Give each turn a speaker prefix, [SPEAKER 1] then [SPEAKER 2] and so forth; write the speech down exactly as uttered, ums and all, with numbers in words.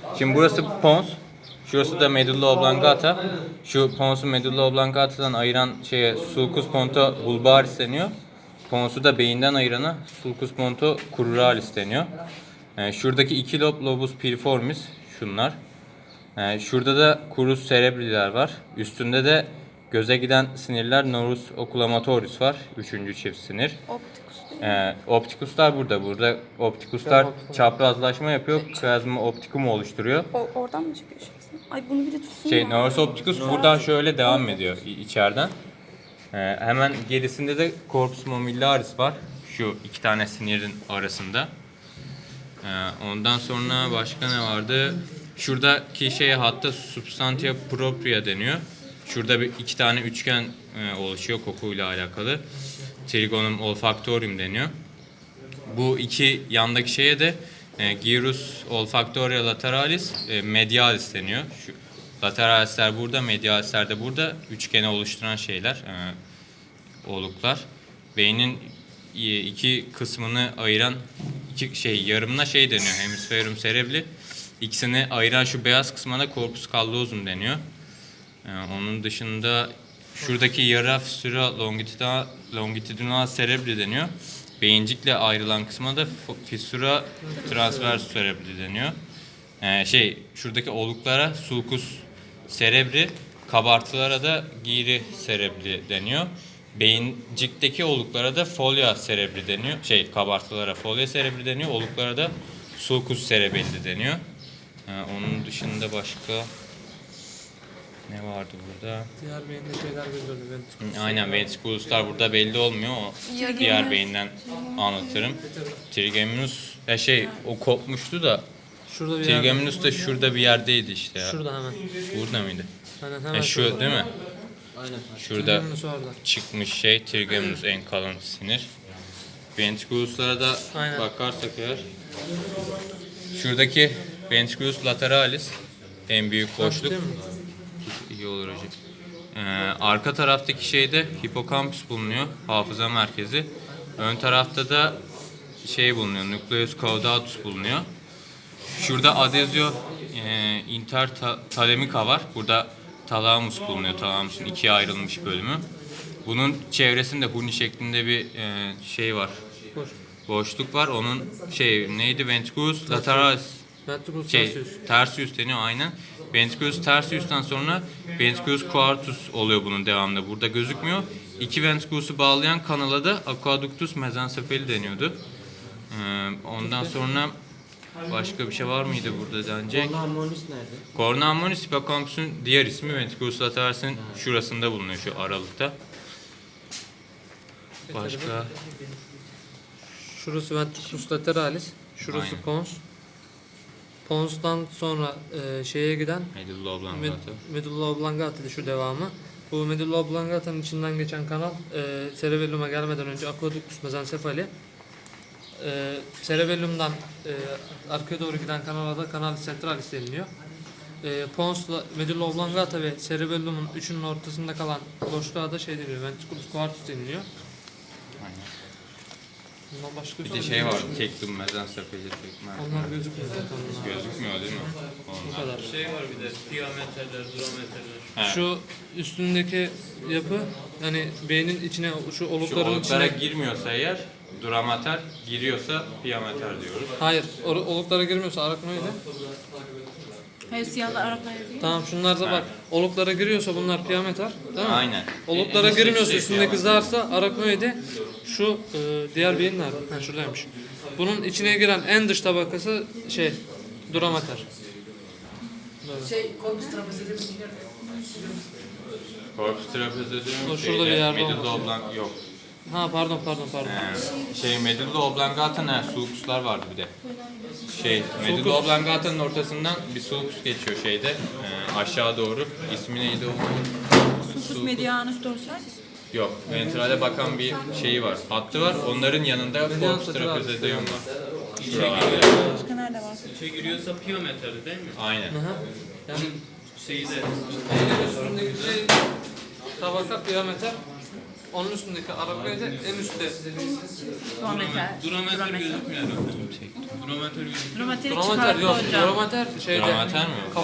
[SPEAKER 1] Şimdi burası pons. Şurası da medulla oblongata. Şu ponsu medulla oblongata'dan ayıran şeye sulcus ponto bulbaris deniyor. Ponsu da beyinden ayırana sulcus ponto cruralis deniyor. Yani şuradaki iki lob lobus piriformis şunlar. Yani şurada da crus cerebriler var. Üstünde de göze giden sinirler nervus oculomatoris var. Üçüncü çift sinir.
[SPEAKER 2] Optikus.
[SPEAKER 1] Ee, optikuslar burada. Burada optikuslar çaprazlaşma yapıyor. Chiasma opticum oluşturuyor.
[SPEAKER 2] O, oradan mı çıkıyor şey? Ay bunu bir de tutsun
[SPEAKER 1] Şey,
[SPEAKER 2] ya.
[SPEAKER 1] nervus opticus buradan şöyle devam ediyor i- içeriden. Ee, hemen gerisinde de corpus mammillaris var. Şu iki tane sinirin arasında. Ee, ondan sonra başka ne vardı? Şuradaki şeye hatta substantia propria deniyor. Şurada bir iki tane üçgen e, oluşuyor kokuyla alakalı. Trigonum olfactorium deniyor. Bu iki yandaki şeye de e, gyrus olfactoria lateralis e, medialis deniyor. Şu lateralisler burada, medialisler de burada. Üçgeni oluşturan şeyler, e, oluklar. Beynin e, iki kısmını ayıran iki şey yarımına şey deniyor. Hemisferum cerebri. İkisini ayıran şu beyaz kısmına corpus callosum deniyor. E, onun dışında şuradaki yara fissura longitudinal, longitudinal cerebri deniyor. Beyincikle ayrılan kısma da fissura transversus cerebri deniyor. Ee, şey şuradaki oluklara sulcus cerebri, kabartılara da gyri cerebri deniyor. Beyincikteki oluklara da folia cerebri deniyor. Şey kabartılara folia cerebri deniyor. Oluklara da sulcus cerebelli deniyor. Ee, onun dışında başka ne vardı burada?
[SPEAKER 3] Diğer beyinde şeyler belli oluyor.
[SPEAKER 1] Aynen, ventrikuluslar burada belli olmuyor. O diğer beyinden anlatırım. Trigeminus ya şey o kopmuştu da
[SPEAKER 3] Şurada bir yerde.
[SPEAKER 1] Trigeminus da şurada bir yerdeydi işte ya.
[SPEAKER 3] Şurada hemen.
[SPEAKER 1] Burada mıydı?
[SPEAKER 3] Aynen hemen
[SPEAKER 1] Ya şu
[SPEAKER 3] şurada.
[SPEAKER 1] değil mi?
[SPEAKER 3] Aynen.
[SPEAKER 1] Şurada
[SPEAKER 3] Trigeminus orada.
[SPEAKER 1] çıkmış şey Trigeminus en kalın sinir. Ventrikuluslara da
[SPEAKER 3] Aynen.
[SPEAKER 1] bakarsak eğer şuradaki ventriculus lateralis en büyük boşluk.
[SPEAKER 3] Değil mi?
[SPEAKER 1] İyi olur hocam. Ee, arka taraftaki şeyde hipokampüs bulunuyor, hafıza merkezi. Ön tarafta da şey bulunuyor, nucleus caudatus bulunuyor. Şurada adezio e, intertalamica var. Burada talamus bulunuyor, talamusun ikiye ayrılmış bölümü. Bunun çevresinde huni şeklinde bir e, şey var,
[SPEAKER 3] Boş.
[SPEAKER 1] boşluk var. Onun şey neydi? Ventriculus lateralis.
[SPEAKER 3] Ventriculus
[SPEAKER 1] Şey,
[SPEAKER 3] tertius.
[SPEAKER 1] tertius deniyor aynen. Ventriculus tertius'tan sonra ventriculus quartus oluyor bunun devamında. Burada gözükmüyor. İki ventriculus'u bağlayan kanala da aqueductus mesencephali deniyordu. Ee, ondan sonra başka bir şey var mıydı burada denecek?
[SPEAKER 4] Cornu ammonis nerede?
[SPEAKER 1] Cornu ammonis hippocampus'un diğer ismi ventriculus lateralis'in şurasında bulunuyor, şu aralıkta. Başka
[SPEAKER 3] Şurası ventriculus lateralis. Şurası
[SPEAKER 1] Aynen.
[SPEAKER 3] pons. Pons'tan sonra e, şeye giden
[SPEAKER 1] medulla
[SPEAKER 3] med,
[SPEAKER 1] oblongata.
[SPEAKER 3] medulla oblongata şu devamı. Bu medulla oblongata'nın içinden geçen kanal e, cerebellum'a gelmeden önce aqueductus mesencephali. E, cerebellum'dan e, arkaya doğru giden kanala da canalis centralis deniliyor. E, ponsla medulla oblongata ve cerebellum'un üçünün ortasında kalan boşluğa da şey deniyor. Ventriculus quartus deniliyor. Bundan başka
[SPEAKER 1] Bir de şey var, tektum mesencephali tekme.
[SPEAKER 3] Onlar gözükmüyor zaten. Bunlar.
[SPEAKER 1] Gözükmüyor değil mi?
[SPEAKER 3] Bu
[SPEAKER 1] Onlar.
[SPEAKER 3] kadar.
[SPEAKER 5] Şey var bir de diametreler, durometreler.
[SPEAKER 1] He.
[SPEAKER 3] Şu üstündeki yapı yani beynin içine şu
[SPEAKER 1] Şu
[SPEAKER 3] olukların
[SPEAKER 1] oluklara
[SPEAKER 3] içine
[SPEAKER 1] girmiyorsa eğer duramater, giriyorsa piyameter diyoruz.
[SPEAKER 3] hayır o- oluklara girmiyorsa araknoide.
[SPEAKER 2] Hayır siyahlar Araplar değil.
[SPEAKER 3] Tamam şunlar da bak oluklara giriyorsa bunlar piyameter değil mi?
[SPEAKER 1] Aynen.
[SPEAKER 3] Oluklara
[SPEAKER 1] En- en
[SPEAKER 3] girmiyorsa
[SPEAKER 1] şey
[SPEAKER 3] üstündeki
[SPEAKER 1] piyameter.
[SPEAKER 3] zarsa araknoide. Şu e, diğer beyin nerede? Ha şuradaymış. Bunun içine giren en dış tabakası şey duramater.
[SPEAKER 4] Şey, korpus trapezoidum
[SPEAKER 1] Corpus trapezoidum
[SPEAKER 3] O şurada
[SPEAKER 1] şeyde,
[SPEAKER 3] bir yerde
[SPEAKER 1] medulla
[SPEAKER 3] olması
[SPEAKER 1] oblang yok.
[SPEAKER 3] Ha pardon pardon pardon.
[SPEAKER 1] Ee, şey medulla oblongata ne? Sulcuslar vardı bir de. Şey medulla oblangata'nın ortasından bir sulcus geçiyor şeyde e, aşağı doğru. İsmi neydi o?
[SPEAKER 2] Sulcus medianus dorsalis.
[SPEAKER 1] Yok. Ventrale bakan bir şeyi var. Hattı var. Onların yanında corpus trapezoidum var. Şuralarda.
[SPEAKER 2] Başka nerede var?
[SPEAKER 5] İçe giriyorsa piyometre değil mi?
[SPEAKER 1] Aynen.
[SPEAKER 3] Aha. Yani
[SPEAKER 5] Şeyi de
[SPEAKER 3] üstündeki şey tabaka piyameter. Onun üstündeki arabaya da en üstte.
[SPEAKER 2] Durometer.
[SPEAKER 5] Durometre gözükmüyor. Durometre gözükmüyor.
[SPEAKER 2] Durometeri
[SPEAKER 3] Drometer
[SPEAKER 2] çıkarttı
[SPEAKER 3] yok.
[SPEAKER 2] hocam.
[SPEAKER 3] Drometer şeyde.
[SPEAKER 1] Drometer mi?